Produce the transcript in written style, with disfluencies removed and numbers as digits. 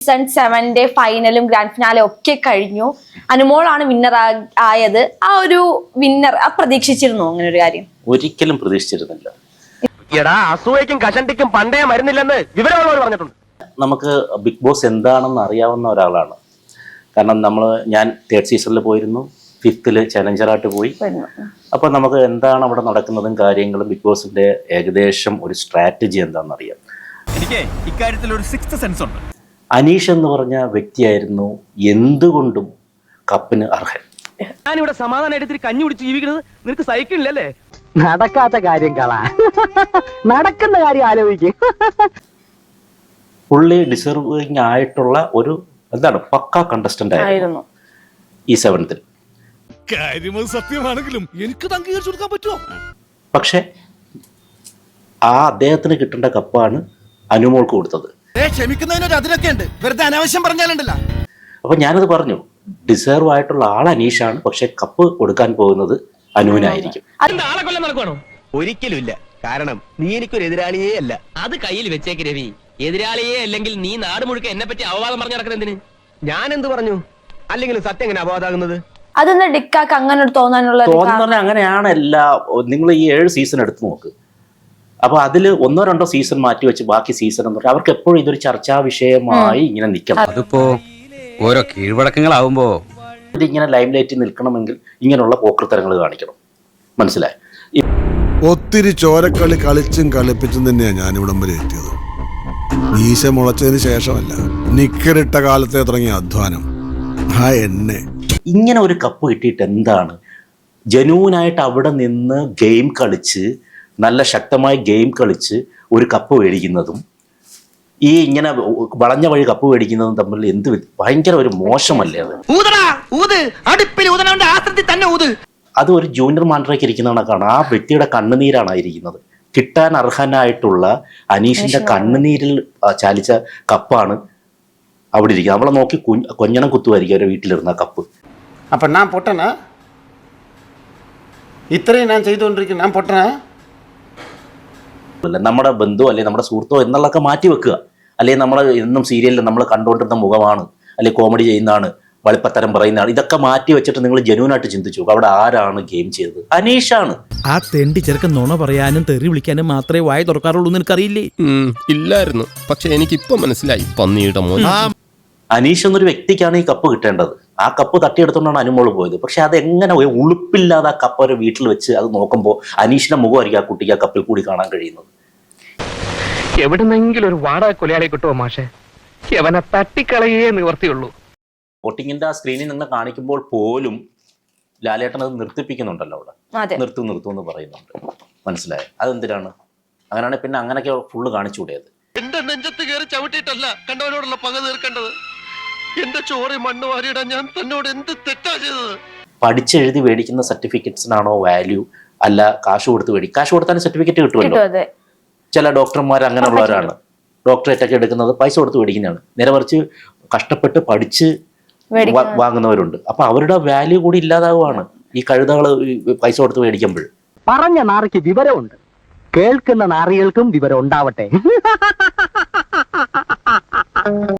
Season 7 ഫൈനലും grand ഫിനാലും ഒക്കെ കഴിഞ്ഞു. അനുമോളാണ് വിന്നർ ആയത്. ആ ഒരു വിന്നർ പ്രതീക്ഷിച്ചിരുന്നു അങ്ങനെ ഒരു കാര്യം? ഒരിക്കലും പ്രതീക്ഷിച്ചിരുന്നില്ല. അസൂയക്കും കഷണ്ടിക്കും പണ്ടേ മരുന്നില്ലെന്ന് വിവരമുള്ളവർ പറഞ്ഞിട്ടുണ്ട്. നമുക്ക് ബിഗ് ബോസ് എന്താണെന്ന് അറിയാവുന്ന ഒരാളാണ്. കാരണം ഞാൻ 3rd സീസണിൽ പോയിരുന്നു, 5th ചലഞ്ചറായിട്ട് പോയി. അപ്പോൾ നമുക്ക് എന്താണ് അവിടെ നടക്കുന്നതും കാര്യങ്ങളും ബിഗ് ബോസിന്റെ ഏകദേശം ഒരു സ്ട്രാറ്റജി എന്താണെന്ന് അറിയാം. എനിക്ക് ഇക്കാര്യത്തിൽ ഒരു 6th സെൻസ് ഉണ്ട്. അനീഷ് എന്ന് പറഞ്ഞ വ്യക്തിയായിരുന്നു എന്തുകൊണ്ടും കപ്പിന് അർഹൻ. ഞാനിവിടെ സമാധാനമായിട്ട് കഞ്ഞി കുടിച്ച് ജീവിക്കുന്നത് നിനക്ക് സഹിക്കില്ലല്ലേ? നടക്കാത്ത കാര്യം കള, നടക്കുന്ന കാര്യം ആലോചിക്കും. പുള്ളി ഡിസർവിങ് ആയിട്ടുള്ള ഒരു പക്ക കണ്ടസ്റ്റന്റ് ആയിരുന്നു ഈ 7th. സത്യമാണെങ്കിലും എനിക്ക് അംഗീകരിച്ചു കൊടുക്കാൻ പറ്റുമോ? പക്ഷെ അദ്ദേഹത്തിന് കിട്ടേണ്ട കപ്പാണ് അനുമോൾക്ക് കൊടുത്തത്. ക്ഷമിക്കുന്നതിനൊരു അതിരൊക്കെ ഉണ്ട്, വെറുതെ അനാവശ്യം പറഞ്ഞാലുണ്ടല്ലോ. അപ്പൊ ഞാനത് പറഞ്ഞു, ഡിസേർവ് ആയിട്ടുള്ള ആൾ അനീഷാണ്, പക്ഷെ കപ്പ് കൊടുക്കാൻ പോകുന്നത് അനുവിനായിരിക്കും. ആളെ കൊല്ലം നടക്കണോ? ഒരിക്കലും ഇല്ല. കാരണം നീ എനിക്കൊരു എതിരാളിയേ അല്ല. അത് കയ്യിൽ വെച്ചേക്ക് രവി. എതിരാളിയെ അല്ലെങ്കിൽ നീ നാട് മുഴുക്ക എന്നെ പറ്റി അപവാദം പറഞ്ഞു നടക്കുന്നതിന് ഞാൻ എന്ത് പറഞ്ഞു? അല്ലെങ്കിൽ സത്യം എങ്ങനെ അപവാദാകുന്നത്? അതെന്താ ഡിക്കാക്ക് അങ്ങനെ തോന്നാനുള്ള? അങ്ങനെയാണ് നിങ്ങൾ ഈ 7 സീസൺ എടുത്തു നോക്ക്. അപ്പൊ അതിൽ 1-2 സീസൺ മാറ്റി വെച്ച് ബാക്കി സീസൺ എന്ന് പറഞ്ഞാൽ അവർക്ക് എപ്പോഴും ഇതൊരു ചർച്ചാ വിഷയമായി ഇങ്ങനെ നിൽക്കണം. അതിപ്പോ ഓരോ കീഴ്വഴക്കങ്ങളാവുമ്പോ ഇതിങ്ങനെ ലൈം ലൈറ്റിൽ നിൽക്കണമെങ്കിൽ ഇങ്ങനെയുള്ള പോക്കൃത്തരങ്ങൾ കാണിക്കണം. മനസ്സിലായി? ഒത്തിരി ചോരക്കളി കളിച്ചും കളിപ്പിച്ചും തന്നെയാണ് ഞാനിവിടം വരെ എത്തിയത്. മീശ മുളച്ചതിന് ശേഷമല്ല, നിക്കറിട്ട കാലത്തെ തുടങ്ങിയ അധ്വാനം. ഇങ്ങനെ ഒരു കപ്പ് കിട്ടിയിട്ട് എന്താണ്? ജനൂനായിട്ട് അവിടെ നിന്ന് ഗെയിം കളിച്ച്, നല്ല ശക്തമായ ഗെയിം കളിച്ച് ഒരു കപ്പ് മേടിക്കുന്നതും ഈ ഇങ്ങനെ വളഞ്ഞ വഴി കപ്പ് മേടിക്കുന്നതും തമ്മിൽ ഭയങ്കര ഒരു മോശമല്ലേ അത്? അത് ഒരു ജൂനിയർ മാൻഡ്രയ്ക്ക് ഇരിക്കുന്ന കണക്കാണ്. ആ വ്യക്തിയുടെ കണ്ണുനീരാണ് ഇരിക്കുന്നത്. കിട്ടാൻ അർഹനായിട്ടുള്ള അനീഷിന്റെ കണ്ണുനീരിൽ ചാലിച്ച കപ്പാണ് അവിടെ ഇരിക്കുന്നത്. അവളെ നോക്കി കൊഞ്ഞണം കുത്തുമായിരിക്കും അവരുടെ വീട്ടിലിരുന്ന കപ്പ്. അപ്പൊ ഞാൻ പൊട്ടനാ? ഇത്രയും ഞാൻ ചെയ്തുകൊണ്ടിരിക്കുന്നു, ഞാൻ പൊട്ടനാ? നമ്മുടെ ബന്ധുവോ അല്ലെങ്കിൽ നമ്മുടെ സുഹൃത്തോ എന്നുള്ളതൊക്കെ മാറ്റി വെക്കുക. അല്ലെങ്കിൽ നമ്മൾ എന്നും സീരിയലിൽ നമ്മൾ കണ്ടുകൊണ്ടിരുന്ന മുഖമാണ്, അല്ലെങ്കിൽ കോമഡി ചെയ്യുന്നതാണ്, വളിപ്പത്തരം പറയുന്നതാണ്. ഇതൊക്കെ മാറ്റി വെച്ചിട്ട് നിങ്ങൾ ജനുവിനായിട്ട് ചിന്തിച്ചു, അവിടെ ആരാണ് ഗെയിം ചെയ്തത്? അനീഷാണ്. ആ തെണ്ടി ചെറുക്കൻ നുണ പറയാനും തെറി വിളിക്കാനും മാത്രമേ വായ തുറക്കാറുള്ളൂ എന്ന് എനിക്കറിയില്ലേ? ഇല്ലായിരുന്നു, പക്ഷെ എനിക്കിപ്പോ മനസ്സിലായി. പന്നിയുടെ മോൻ അനീഷ് എന്നൊരു വ്യക്തിക്കാണ് ഈ കപ്പ് കിട്ടേണ്ടത്. ആ കപ്പ് തട്ടിയെടുത്തുകൊണ്ടാണ് അനുമോള് പോയത്. പക്ഷെ അതെങ്ങനെ ഉളുപ്പില്ലാതെ ആ കപ്പ് ഒരു വീട്ടിൽ വെച്ച് അത് നോക്കുമ്പോൾ അനീഷിന്റെ മുഖമായിരിക്കും ആ കുട്ടിക്ക് ആ കപ്പിൽ കൂടി കാണാൻ കഴിയുന്നത്. എവിടെന്നെങ്കിലും ഒരു വാടക കൊലയാളെ കിട്ടുമോ മാഷെ? അവനെ തട്ടിക്കളയേ നിവർത്തിയുള്ളൂ. വോട്ടിങ്ങിന്റെ ആ സ്ക്രീനിൽ നിന്ന് കാണിക്കുമ്പോൾ പോലും ലാലേട്ടൻ അത് നിർത്തിപ്പിക്കുന്നുണ്ടല്ലോ അവിടെ. നിർത്തും എന്ന് പറയുന്നുണ്ട്. മനസ്സിലായോ? അതെന്തിനാണ്? അങ്ങനെയാണ് പിന്നെ അങ്ങനെയൊക്കെ ഫുള്ള് കാണിച്ചുകൂടിയത്. എന്റെ നെഞ്ചത്ത് കയറി ചവിട്ടിയിട്ടല്ല കണ്ടവനോടുള്ള പക തീർക്കേണ്ടത്. എന്റെ ചോറി മണ്ണ് വാരിയിടാൻ ഞാൻ തന്നോട് എന്ത് തെറ്റാ ചെയ്തത്? പഠിച്ചെഴുതി മേടിക്കുന്ന സർട്ടിഫിക്കറ്റ്സിനാണോ വാല്യൂ, അല്ല കാശ് കൊടുത്ത് കാശ് കൊടുത്താലും സർട്ടിഫിക്കറ്റ് കിട്ടുമല്ലോ. ചില ഡോക്ടർമാർ അങ്ങനെയുള്ളവരാണ്. ഡോക്ടറേറ്റ് ഒക്കെ എടുക്കുന്നത് പൈസ കൊടുത്ത് മേടിക്കുന്നതാണ്. നേരെ മറിച്ച് കഷ്ടപ്പെട്ട് പഠിച്ച് വാങ്ങുന്നവരുണ്ട്. അപ്പൊ അവരുടെ വാല്യൂ കൂടി ഇല്ലാതാവുകയാണ് ഈ കഴുതകൾ പൈസ കൊടുത്ത് മേടിക്കുമ്പോൾ. പറഞ്ഞ നാറിക്ക് വിവരമുണ്ട്, കേൾക്കുന്ന നാറികൾക്കും വിവരം ഉണ്ടാവട്ടെ.